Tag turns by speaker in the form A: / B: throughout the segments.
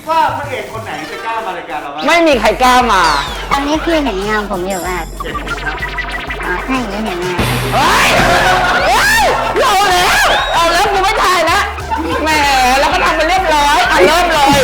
A: ว่าพระเอกคนไหนจะกล้ามารายการเราบ้าง
B: ไม่มีใครกล้ามา
C: ตอนนี้พี่เห็นเงาผมอยู่ป่ะ
A: เห็นครับ
C: อ๋อถ้าอย่างนี้เห็นเงา
B: เฮ้ยเอาแล้วกูไม่ถ่ายแล้วแหมแล้วก็ทำไปเรียบร้อยเริ่มเลย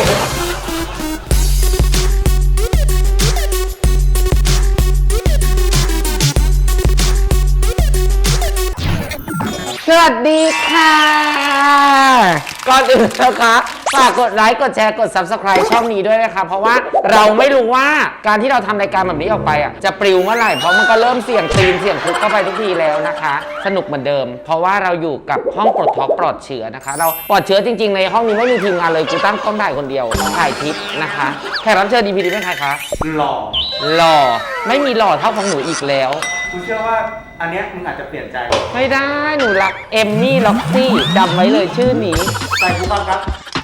B: สวัสดีค่ะก่อนอื่นนะคะฝากกดไลค์กดแชร์กด Subscribe ช่องนี้ด้วยนะคะเพราะว่าเราไม่รู้ว่าการที่เราทำรายการแบบนี้ออกไปจะปลิวเมื่อไหร่เพราะมันก็เริ่มเสี่ยงตีนเสี่ยงคุกเข้าไปทุกทีแล้วนะคะสนุกเหมือนเดิมเพราะว่าเราอยู่กับห้องปลดท็อกปลอดเชื้อนะคะเราปลอดเชื้อจริงๆในห้องนี้ไม่มีทีมงานเลยกูตั้งกล้องถ่ายคนเดียวถ่ายคลิปนะคะแขกรับเชิญ EP นี้เป็นใครคะ
A: หล่
B: อไม่มีหล่อเท่าของหนูอีกแล้ว
A: กูเชื่อว่าอันเนี้ยมึงอาจจะเปลี่ยนใจ
B: ไม่ได้หนูรักเอมมี่ล็อกซี่จำไว้เลยชื่อนี้
A: ใส่กูฟังครับ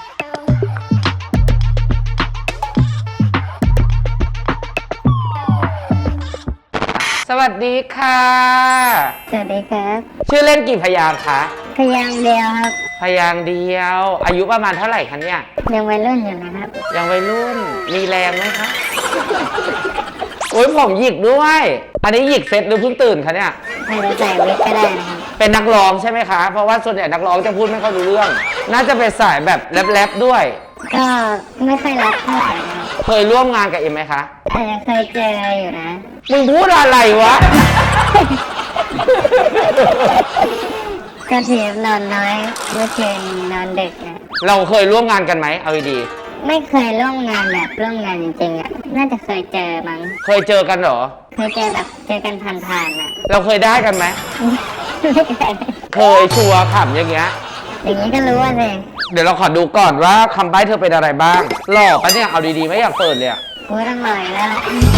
B: สวัสดีค่ะ
C: สวัสดีครับ
B: ชื่อเล่นกี่พยางค์คะ
C: พยางค์เดียวครับ
B: พยางค์เดียวอายุประมาณเท่าไหร่คะเนี่ย
C: ยังวัยรุ่นอยู่นะครับ
B: ยังวัยรุ่นมีแรงไหมคะโอ้ยผมหยิกด้วยอันนี้หยิกเสร็จหรือเพิ่งตื่นคะเนี่ย
C: ไม่ได้ใส่วิกก็ได้นะครับ
B: เป็นนักร้องใช่ไหมคะเพราะว่าส่วนใหญ่นักร้องจะพูดไม่ค่อยรู้เรื่องน่าจะเป็นสายแบบแรปๆด้วย
C: ก็ไม่ค่อยรักเท่าไหร่ครับ
B: เคยร่วมงานกับเอ็มไหมคะ
C: เคยเจออยู่นะ
B: มึงพูดอะไรวะ
C: ก็ทีนอนน้อยเมื่อคืนนอนดึกนะ
B: เราเคยร่วมงานกันไหมเอาดี
C: ไม่เคยร่วมงานแบบร่วมงานจริงๆน่าจะเคยเจอมั้ง
B: เคยเจอกันเหรอ
C: เคยเจอแบบเจอกันผ่านๆ
B: เราเคยได้กันไหมเคยชัวร์ขำอย่างเงี้ย
C: ก็รู้ว่าสิ
B: เดี๋ยวเราขอดูก่อนว่าคำใบ้เธอเป็นอะไรบ้างหล่อปะเนี่ยเอาดีๆไม่อยากเปิดเลยอ่ะ
C: กูต้องลอยแล้ว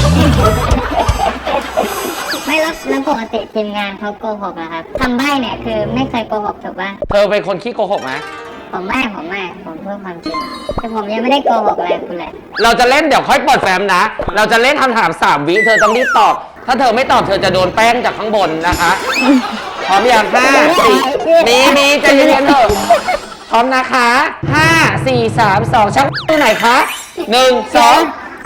C: ไม่แล้วปกติทีมงานเขาโกหกเหรอครับคำใบ้เนี่ยคือไม่เคยโกหกถูกป่ะ
B: เธอเป็นคนขี้โกหกไหม
C: ผมไม่ผมพูดความจริงแต่ผมยังไม่ได้โกหกอะไรคุณเลย
B: เราจะเล่นเดี๋ยวค่อยเปิดแฟ้มนะเราจะเล่นคำถาม3 วิเธอต้องรีบตอบถ้าเธอไม่ตอบเธอจะโดนแป้งจากข้างบนนะคะพร้อมอย่าง5 4มีใจเย็นๆเถอะพร้อมนะคะ5 4 3 2ชักตัวไหนคะ1 2 1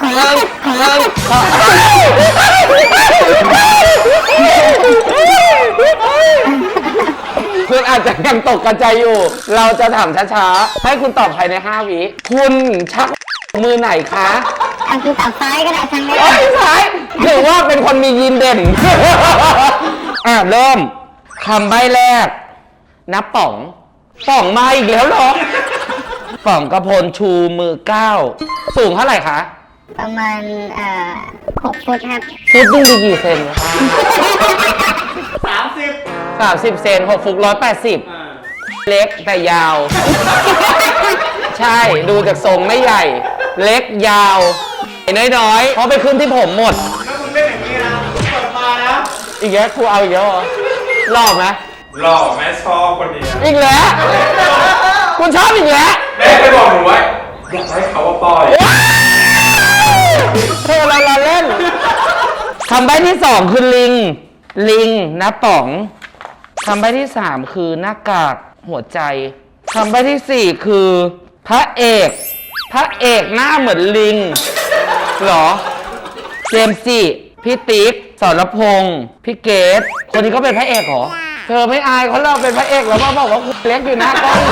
B: คุณอาจจะยังตกกระจายอยู่เราจะถามช้าๆให้คุณตอบภายใน5 วิคุณชักมือไหนคะ
C: คือตอบซ้ายก็ได้ทางนี้
B: ซ้ายถือว่าเป็นคนมียีนเด่นเริ่มคำใบ้แรกนับป๋องมาอีกแล้วเหรอป๋องกระพลชูมือ9สูงเท่าไหร่คะ
C: ประมาณ6 ฟุตครับ
B: ฟุตดูดีกี่เซน
A: 30
B: เซน6 ฟุต180เล็กแต่ยาวใช่ดูจากทรงไม่ใหญ่เล็กยาวน้อยๆเพราะไปขึ้นที่ผมหมด
A: ถ้ามึงเล่นอย่างนี้นะเปิดมานะ
B: อีกแล้วครูเอาอีกแล้วเหรอหล่อไหม
A: หล่อแม่ชอบคนนี้
B: อีกแล้วคุณชอบอีกแล้ว
A: แม่ไปบอกหนูไว้อยากให้เขาว่าปล่อย
B: เธอเราเล่นคำใบ้ที่2คือลิงนะป๋องคำใบ้ที่3คือหน้ากากหัวใจคำใบ้ที่4คือพระเอกหน้าเหมือนลิงเหรอเจมส์จิพี่ติ๊กสรพงษ์พี่เกดคนนี้ก็เป็นพระเอกเหรอเธอไม่อายเขาเราเป็นพระเอกแล้วมาบอกว่าคุณเล็กอยู่หน้ากล้อง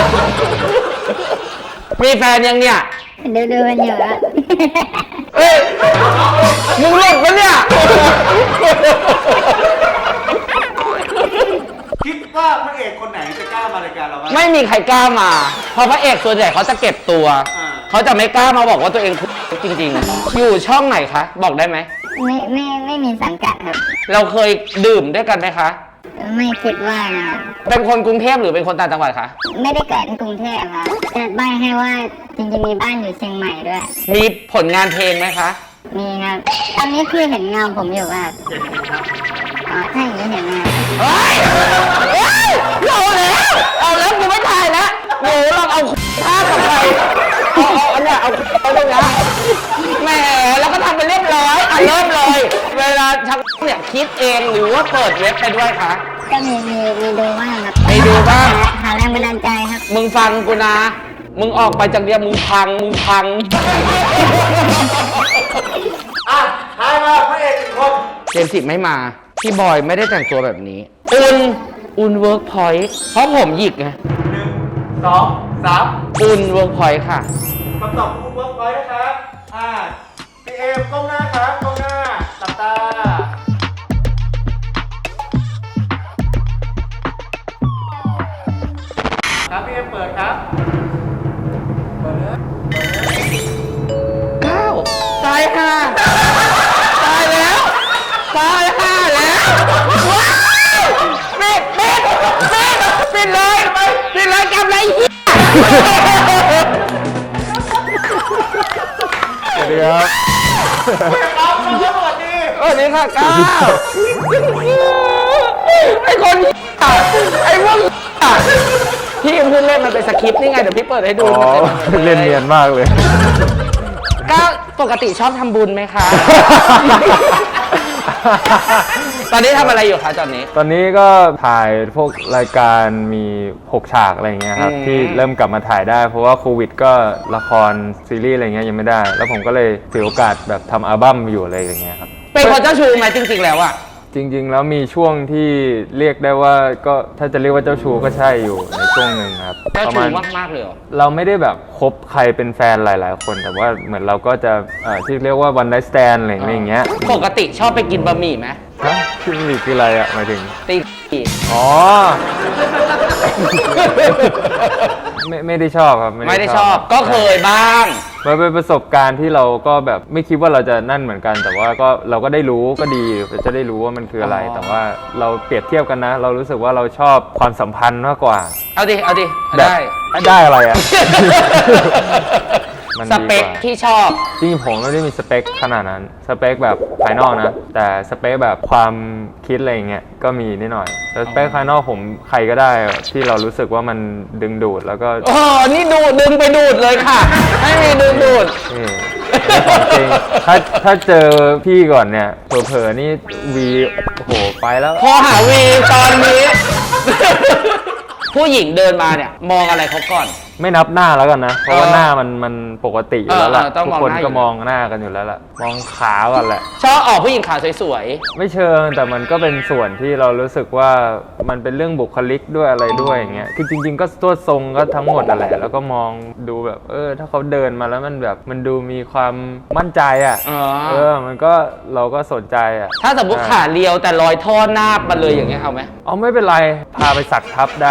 B: มีแฟนยังเนี่ย
C: ดูมันอยู่อะ
B: เอ้ยมึงหลบปะเนี่ย
A: คิดว่าพระเอกคนไหนจะกล้ามารายการเราบ้าง
B: ไม่มีใครกล้ามาเพราะพระเอกส่วนใหญ่เขาจะเก็บตัวเขาจะไม่กล้ามาบอกว่าตัวเองจริงๆอยู่ช่องไหนคะบอกได้ไหม
C: ไม่มีสังกัดครับ
B: เราเคยดื่มด้วยกันไหมคะ
C: ไม่คิดว่านะ
B: เป็นคนกรุงเทพหรือเป็นคนต่างจังหวัดคะ
C: ไม่ได้เกิดในกรุงเทพครับจะใบ้ให้ว่าจริงๆมีบ้านอยู่เชียงใหม่ด้วย
B: มีผลงานเพลงไหมคะ
C: มีครับตอนนี้พี่เห็นเงาผมอยู่ป่ะอ๋อถ้าอย่างนี้เห็นเงา
B: เอาแล้วกูไม่ถ่ายแล้วหนูลองเอาท่ากับใครเอาอันเนี้ยเอาไปตรงนี้แหมแล้วก็ทำไปเรียบร้อยเริ่มเลยเวลาชักเนี่ยคิดเองหรือว่าเปิดเว็บไปด้วยคะ
C: ก็มีดูบ้างครับ
B: มีดูบ้าง
C: หาแรงบันดาลใจครับ
B: มึงฟังกูนะมึงออกไปจากเดียวมึงพัง
A: อ่ะทายมาพระเอก1 คน
B: เจมส์จิไม่มา พี่บอยไม่ได้แต่งตัวแบบนี้ อุ่นเวิร์กพอยต์เพราะผมหยิกไง
A: 1 2 3
B: อุ่นเวิร์กพอยต์ค่ะ
A: คำตอบคุณเวิร์กพอยต์นะครับพี่เอมก้มหน้าครับก้มหน้าหลับตาครับพี่เอมเปิดครับเปิดเลย
B: ตายห่าตายแล้ว ตายห่าแล้วว้าวปิดเลยกำไรเหี้ย
D: สวัสดีครับ
A: ครับน้องสวัสดี
B: สวัสดีค่ะก้าวไอ้คนไอ้พวกพี่เพิ่งเล่นมันเป็นสคริปต์นี่ไงเดี๋ยวพี่เปิดให้ดู
D: อ๋อ เล่นเนียนมากเลย
B: ก้าวปกติชอบทำบุญไหมคะ ตอนนี้ทำอะไรอยู่คะตอนนี้
D: ตอนนี้ก็ถ่ายพวกรายการมี6ฉากอะไรอย่างเงี้ยครับ ที่เริ่มกลับมาถ่ายได้ เพราะว่าโควิดก็ละครซีรีส์อะไรเงี้ยยังไม่ได้ แล้วผมก็เลยถือโอกาสแบบทำอัลบั้มอยู่อะไรอย่างเงี้ยครับ
B: เป็นคนเจ้าชู้ไหมจริงๆแล้วอะ
D: จริงๆ แล้วมีช่วงที่เรียกได้ว่าก็ถ้าจะเรียกว่าเจ้าชู้ก็ใช่อยู่ในช่วงหนึ่งครับ
B: เจ้า
D: ประ
B: ชู้
D: มาณ
B: มากๆเลยเหรอ
D: เราไม่ได้แบบคบใครเป็นแฟนหลายๆ คน แต่ว่าเหมือนเราก็จะที่เรียกว่า one night stand อะไรอย่างเงี้ย
B: ปกติชอบไปกินบะหมี่ไหม
D: ฮะที่มีคืออะไรอะหมายถึง
B: ตี
D: อ๋อ ไม่ได้ชอบครับ
B: ไม่ได้ชอบก็เคยบ้าง
D: มันเป็นประสบการณ์ที่เราก็แบบไม่คิดว่าเราจะนั่นเหมือนกัน แต่ว่าก็เราก็ได้รู้ก็ดีจะได้รู้ว่ามันคืออะไร แต่ว่าเราเปรียบเทียบกันนะ เรารู้สึกว่าเราชอบความสัมพันธ์มากกว่า
B: เอาดิ
D: แบบ ได้อะไรอะ มัน
B: ส
D: ดีกว่า
B: เปคที่ชอบ
D: จริงๆผมไม่ได้มีสเปคขนาดนั้น สเปคแบบภายนอกนะ แต่สเปคแบบความคิดอะไรอย่างเงี้ยก็มีนิดหน่อยแต่สเปคภายนอกผมใครก็ได้ที่เรารู้สึกว่ามันดึงดูดแล้วก็
B: โอ้นี่ดึงไปดูดเลยค่ะ ให้มีดึงดูด
D: นี่ของจริงถ้าเจอพี่ก่อนเนี่ยเผลอๆนี่วีโอ้โหไปแล้ว
B: พอหาวีตอนนี้ ผู้หญิงเดินมาเนี่ย มองอะไรเขาก่อน
D: ไม่นับหน้าแล้วกันนะ เพราะว่าหน้ามันปกติอยู่แล้วล่ะ
B: ต้อง
D: ทุก
B: มอง
D: คน
B: หน้าอยู่
D: ก็มองหน้ากันอยู่แล้วล่ะมองขาก่อนแหละ
B: ชอบออกผู้หญิงขาสวย
D: ไม่เชิงแต่มันก็เป็นส่วนที่เรารู้สึกว่ามันเป็นเรื่องบุคลิกด้วยอะไรด้วยอย่างเงี้ยคือจริงๆก็ตัวทรงก็ทั้งหมดนั่นแหละแล้วก็มองดูแบบถ้าเขาเดินมาแล้วมันแบบมันดูมีความมั่นใจอ่ะ
B: ๆ
D: มันก็เราก็สนใจอ่ะ
B: ถ้าสมมติขาเรียวแต่รอยท่อหน้ามาเลยอย่างเงี้ยเอาไหม
D: เอาไม่เป็นไรพาไปสักทับได้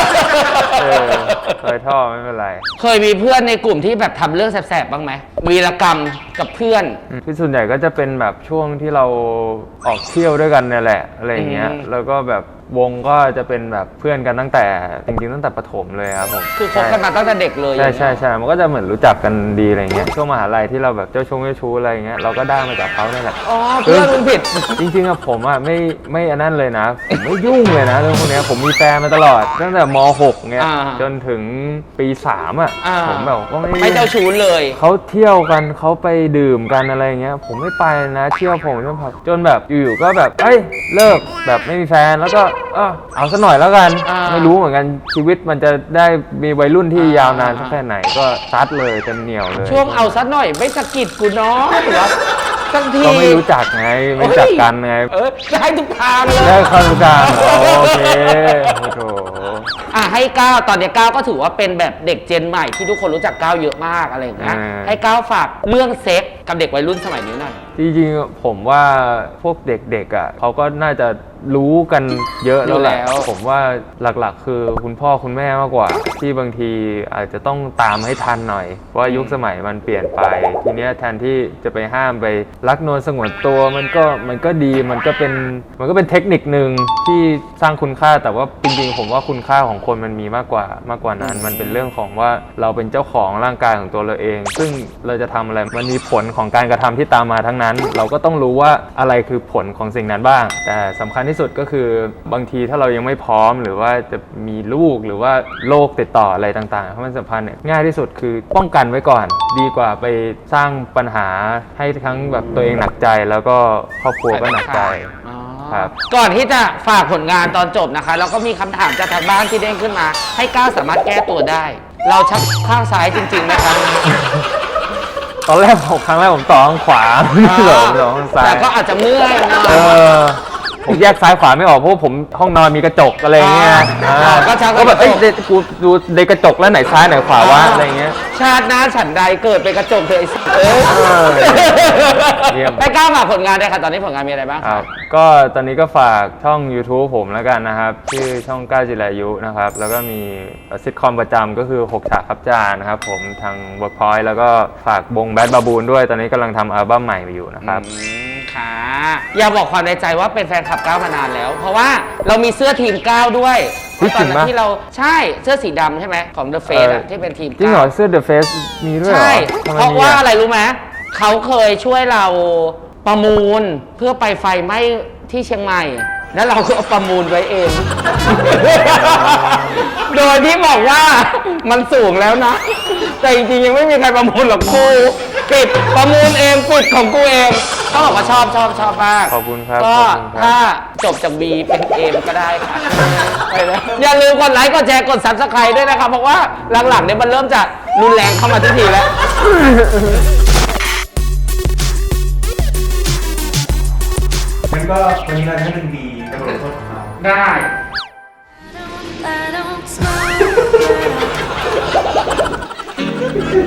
D: เคยท่อไม่เป็นไร
B: เคยมีเพื่อนในกลุ่มที่แบบทำเรื่องแสบๆบ้างไหมวีรกรรมกับเพื่อน
D: ที่ส่วนใหญ่ก็จะเป็นแบบช่วงที่เราออกเที่ยวด้วยกันเนี่ยแหละอะไรอย่างเงี้ย แล้วก็แบบวงก็จะเป็นแบบเพื่อนกันตั้งแต่จริงๆตั้งแต่ประถมเลยครับผม
B: คือคบกันมาตั้งแต่เด็กเลย
D: ใช่มันก็จะเหมือนรู้จักกันดีอะไรเงี้ยช่วงมหาลัยที่เราแบบเจ้าชู้อะไรเงี้ยเราก็ได้มาจากเขาเนี่ยแหละ
B: อ๋อเพื่อนมึงผิด
D: จริงๆอะผมอะไม่อันนั้นเลยนะผมไม่ยุ่งเลยนะเรื่องพวกเนี้ยผมมีแฟนมาตลอดตั้งแต่ม .6 เงี้ย
B: อ่า
D: จนถึงปี 3อะผมแบบว่า
B: ไม่เจ้าชู้เลย
D: เขาเที่ยวกันเขาไปดื่มกันอะไรเงี้ยผมไม่ไปนะเที่ยวผมจนแบบอยู่ๆก็แบบเลิกแบบไม่มีแฟนแล้วก็เอาซะหน่อยแล้วกัน ไม่รู้เหมือนกันชีวิตมันจะได้มีวัยรุ่นที่ยาวนานสักแค่ไหนก็ซัดเลยเต็มเหนียวเลย
B: ช่วงเอาซะหน่อยไม่สะกิดกูน้อยเหรอสักที
D: ก็ไม่รู้จักไงไม่รู้จักกันไง
B: ได้ทุกทางเลย
D: ได้ความรู้จักโอเคโอ้โห
B: ให้ก้าวตอนนี้ก้าวก็ถือว่าเป็นแบบเด็กเจนใหม่ที่ทุกคนรู้จักก้าวเยอะมากอะไรอย่างเงี้ยให้ก้าวฝากเรื่องเซ็กกับเด็กวัยรุ่นสมัยนี้หน่อย
D: จริงๆผมว่าพวกเด็กๆอ่ะเขาก็น่าจะรู้กันเยอะแล้วแหละผมว่าหลักๆคือคุณพ่อคุณแม่มากกว่า ที่บางทีอาจจะต้องตามให้ทันหน่อยเพราะว่ายุคสมัยมันเปลี่ยนไปทีเนี้ยแทนที่จะไปห้ามไปรักนวลสงวนตัวมันก็ดีมันก็เป็นเทคนิคนึงที่สร้างคุณค่าแต่ว่าจริงๆผมว่าคุณค่าของคนมันมีมากกว่านั้นมันเป็นเรื่องของว่าเราเป็นเจ้าของร่างกายของตัวเราเอง ซึ่งเราจะทำอะไรมันมีผลของการกระทำที่ตามมาทั้งนั้น เราก็ต้องรู้ว่าอะไรคือผลของสิ่งนั้นบ้างแต่สำคัญที่สุดก็คือบางทีถ้าเรายังไม่พร้อมหรือว่าจะมีลูกหรือว่าโรคติดต่ออะไรต่างๆเพราะมันสัมพันธ์เนี่ยง่ายที่สุดคือป้องกันไว้ก่อนดีกว่าไปสร้างปัญหาให้ทั้งแบบตัวเองหนักใจแล้วก็ครอบครัวก็หนักใจครับ
B: ก่อนที่จะฝากผลงานตอนจบนะคะแล้วก็มีคำถามจากทางบ้านที่เด้งขึ้นมาให้ก้าวสามารถแก้ตัวได้เราชักข้างซ้ายจริงๆนะคะ
D: ตอนแรกครั้งแรกผมต่อข้างขวาไม่เหรอผมต่อข้างซ้าย
B: แต่ก็อาจจะเมื่อยนะ
D: ผมแยกซ้ายขวาไม่ออกเพราะว่าผมห้องนอนมีกระจกอะไรเงี้ย
B: ก็ชัก
D: ก็แบบ
B: กระจก
D: กูดูในกระจกแล้วไหนซ้ายไหนขวาวะอะไรเงี้ย
B: ชาติหน้าฉันใดเกิดเป็นกระจกเถอะไอ้สัสเอ้ย
D: เยี่ยม
B: ให้ก้าวฝากผลงานด้วยค่ะตอนนี้ผลงานมีอะไรบ้าง
D: ครับก็ตอนนี้ก็ฝากช่อง YouTube ผมแล้วกันนะครับ ชื่อช่องก้าวจิรายุนะครับ แล้วก็มีซิทคอมประจำก็คือ6ฉากครับจานนะครับผมทาง Workpoint แล้วก็ฝากวงแบดบาบูนด้วยตอนนี้กำลังทำอัลบั้มใหม่อยู่นะครับ
B: ค่ะอย่าบอกความในใจว่าเป็นแฟนคลับก้าวมานานแล้ว เพราะว่าเรามีเสื้อทีมก้าวด้วย
D: เฮ้ย
B: ตอนนั้
D: จริงปะ
B: นที่เราใช่เสื้อสีดำใช่ไหมของ The Face อะที่เป็นทีม
D: จริงเหรอ
B: ก้าว
D: เสื้อ The Face มีด้วยเหรอ
B: ใช่
D: ทำไม
B: เพราะ
D: มี
B: ว่าอะไรรู้ไหมเขาเคยช่วยเราประมูลเพื่อไปไฟไหม้ที่เชียงใหม่ แล้วเราก็เอาประมูลไว้เอง โดยที่บอกว่ามันสูงแล้วนะ แต่จริงๆยังไม่มีใครประมูลหรอกกูปิดประมูลเองปิดของกูเองต้องบอกว่าชอบมาก
D: ขอบคุณครับ
B: ก็
D: ขอบคุณครับ
B: ถ้าจบจาก B เป็น A ก็ได้ค่ะ อย่าลืมกดไลค์กดแชร์กด Subscribe ด้วยนะครับ เพราะว่าหลังๆเนี่ยมันเริ่มจะรุนแรงเข้ามาทุกทีแล้ว
A: งั้นก็วันนี้เราจะให้เป็นบีเป็นบทลงโทษของเรา
B: ได้
E: I don't smoke.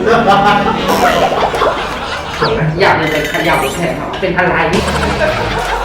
B: อยากเลยเป็นขยับแขนเป็นอะไร